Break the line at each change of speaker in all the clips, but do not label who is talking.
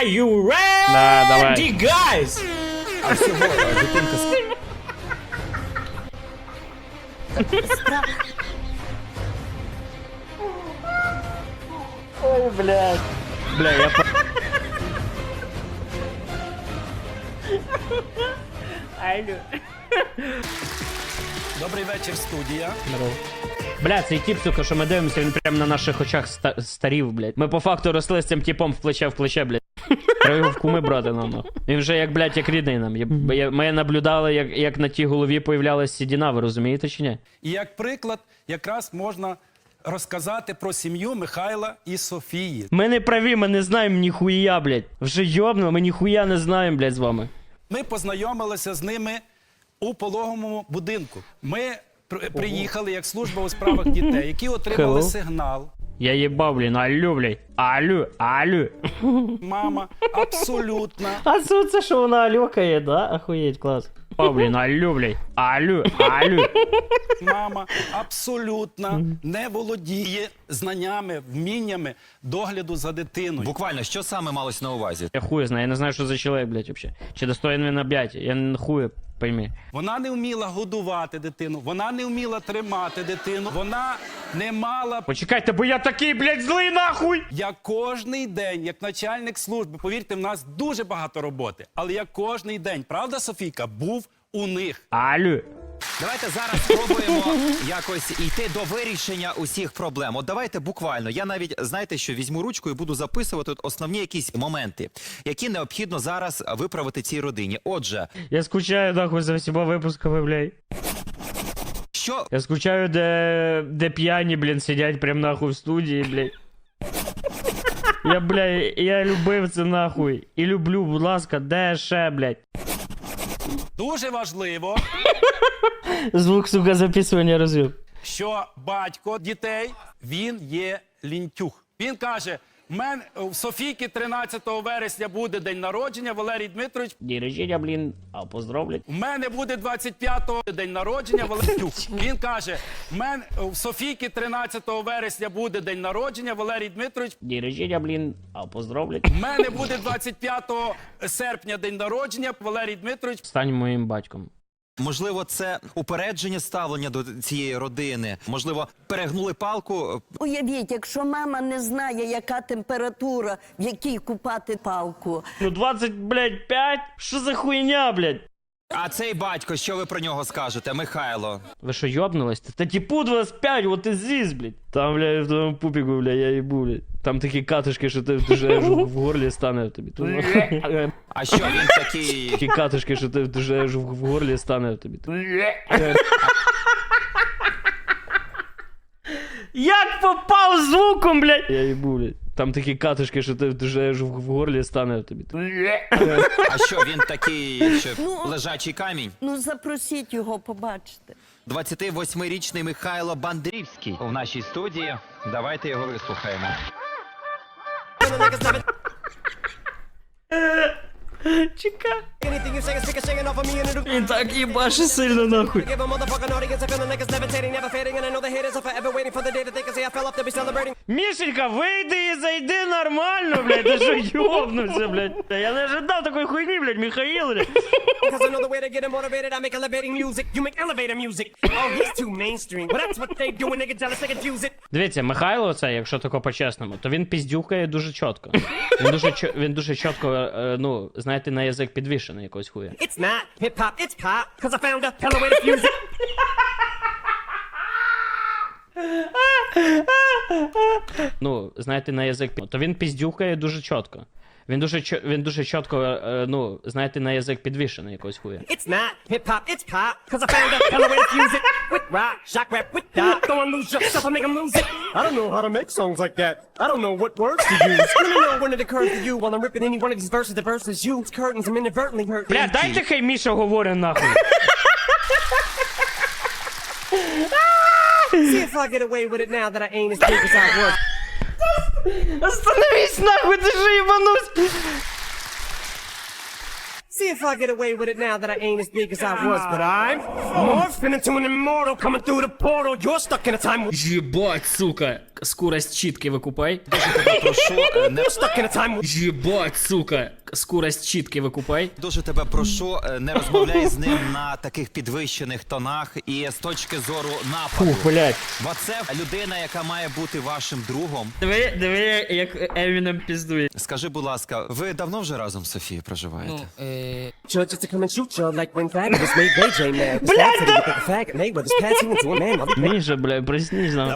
Are you ready,
Да, давай.
guys?
А всього дитинка
Ой, блядь. Бля, я Алло.
Добрий вечір, студія.
Здорово. Бля, цей тип, сука, що ми дивимося, він прямо на наших очах старів, блядь. Ми по факту росли з цим типом в плече, блядь. Треба його в куми брати нам, нахуй. Він вже як, блядь, як рідний нам. Ми наблюдали, як на тій голові появлялась сідіна, ви розумієте чи ні?
І як приклад, якраз можна розказати про сім'ю Михайла і Софії.
Ми не праві, ми не знаємо ніхуя, блядь. Вже йобно, ми ніхуя не знаємо, блядь, з вами.
Ми познайомилися з ними у пологовому будинку. Ми приїхали як служба у справах дітей, які отримали сигнал.
Я їбав, блін, алло, блядь. Алло.
Мама абсолютно
А це що вона алюкає, да? Охуєть, клас. Блін, алло, блядь. Алло.
мама абсолютно не володіє знаннями, вміннями догляду за дитиною.
Буквально, що саме малось на увазі?
Я хуй знаю, я не знаю, що за чоловік, блядь, вообще. Чи достоин він об'яття, я не хуй пойми.
Вона не вміла годувати дитину, вона не вміла тримати дитину, вона не мала...
Почекайте, бо я такий, блядь, злий нахуй!
Я кожний день, як начальник служби, повірте, в нас дуже багато роботи, але я кожний день, правда, Софійка, був у них.
Алло.
Давайте зараз спробуємо якось йти до вирішення усіх проблем. От давайте буквально, я навіть, знаєте що, візьму ручку і буду записувати основні якісь моменти, які необхідно зараз виправити цій родині. Отже,
Я скучаю, нахуй, за всіма випусками, блядь.
що...
Я скучаю, де п'яні, блін, сидять прям нахуй в студії, блядь. Я любив це нахуй. І люблю, будь ласка, де ще, блядь.
Дуже важливо,
Звук, сука, записування розвив.
що батько дітей, він є лінтюх. Він каже, у Софійки 13 вересня буде день народження, Валерій Дмитрович.
День рождения, блін, а поздравлять.
У мене буде 25-го день народження, Валерій Дмитрович. Він каже, у Софійки 13 вересня буде день народження, Валерій Дмитрович.
День рождения, блін, а поздравлять.
У мене буде 25 серпня день народження, Валерій Дмитрович.
Стань моїм батьком.
Можливо, це упередження ставлення до цієї родини. Можливо, перегнули палку.
Уявіть, якщо мама не знає, яка температура, в якій купати палку.
Ну 20, блядь, 5? Що за хуйня, блядь?
А цей батько, що ви про нього скажете, Михайло?
Ви що, йобнулись? Та типу 25, вот і здесь, блядь. Там, блядь, в тому пупіку, блядь, я їбу, блядь. Там такі катушки, що ти вже аж в горлі стане тобі.
А що, він такий...
Такі катушки, що ти вже аж в горлі стане тобі. Як попав звуком, блядь? Я їбу, блядь. Там такі катушки, що ти вже аж в горлі стане тобі.
А що, він такий, що лежачий камінь?
Ну, запросіть його побачити.
28-річний Михайло Бандрівський у нашій студії. Давайте його вислухаємо.
Чекай. Він так їбаше сильно нахуй. Мішенька, вийди і зайди нормально, блядь. Ти що йобнувся, блядь? Я не ожидав такої хуйні, блядь, Михаїл, блядь. Дивіться, Михайло це, якщо тако по-чесному, то він піздюкає дуже чітко. Він дуже чітко, ну, знаєте, на язик підвішений якось хуя.
It's not hip-hop, it's pop, cause I found a hella way to fuse it.
Ну, знаєте, на язик, то він піздюкає дуже чітко. Він дуже чітко, ну, знаєте, на язик підвішений якось хуя.
It's not hip-hop, it's pop, cause I found a hella way to fuse it. With rock, shock rap, with dot, go and lose yourself and make them lose it. I don't know how to make songs like that. I don't know what words to use. Let me know when it occurs to you while I'm ripping any one of these verses. The verses use curtains, I'm inadvertently hurt.
Бля, дайте хай Міша говорить нахуй.
See if I get away with it now that I ain't as big as I was.
Остановись нахуй, ти ж їбанусь.
See if I get away with it now that I ain't as big as I was, but I'm morphing into an immortal coming through the portal. You're stuck in a time.
Єбать, сука. Скорость чітки викупай.
Дуже тебе прошу, не
Stuck in a time.
Єбать, сука. Скорость чітки викупай.
дуже тебе прошу, не розмовляй з ним на таких підвищених тонах і з точки зору нападу.
Фух, блядь.
Бо це людина, яка має бути вашим другом.
Диви, як Емінем піздує.
Скажи, будь ласка, ви давно вже разом з Софією проживаєте?
Sure, just to come and shoot you like when fabulous made Ray J mad. Cause Fab said he looked like a fag, and Mayweather's passing into a man. I'll be
Міша, блядь, приснись нам.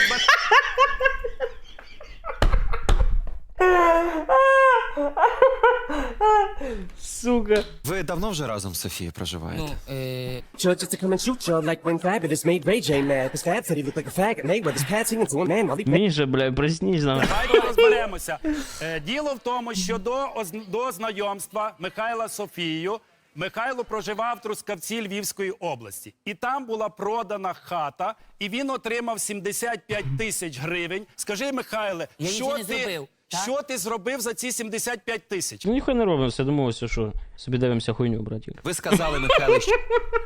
Сука.
Ви давно вже разом з Софією проживаєте?
sure, just to come and shoot you like when fabulous made Ray J mad. Cause Fab said he looked like a fag, and Mayweather's passing into a man. I'll be
Міша, блядь, приснись нам.
Давайте розберемося. Діло в тому, що до знайомства Михайла з Софією Михайло проживав в Трускавці Львівської області. І там була продана хата, і він отримав 75 тисяч гривень. Скажи, Михайле,
Я нічого не зробив, так?
що ти зробив за ці 75 тисяч?
Ну ніхуя не робимо, все домовився, що собі дивимося хуйню, братик.
Ви сказали, Михайло, що...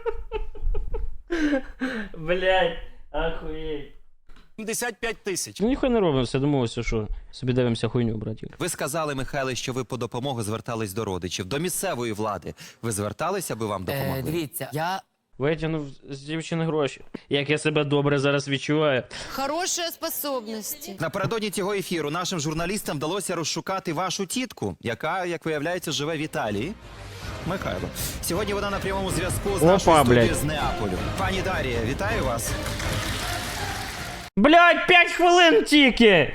Блядь, ахуєть.
75 тисяч.
Ну ніхуя не робимо, все домовився, що собі дивимося хуйню, братик.
Ви сказали, Михайло, що ви по допомогу звертались до родичів, до місцевої влади. Ви зверталися, аби вам допомогли?
Дивіться, я
Витягнув з дівчини гроші. Як я себе добре зараз відчуваю.
Хорошие способности.
Напередодні цього ефіру нашим журналістам вдалося розшукати вашу тітку, яка, як виявляється, живе в Італії. Михайло. Сьогодні вона на прямому зв'язку з
Опа,
нашою студією
блядь.
з Неаполю. Пані Дарія, вітаю вас.
Блядь, 5 хвилин тільки!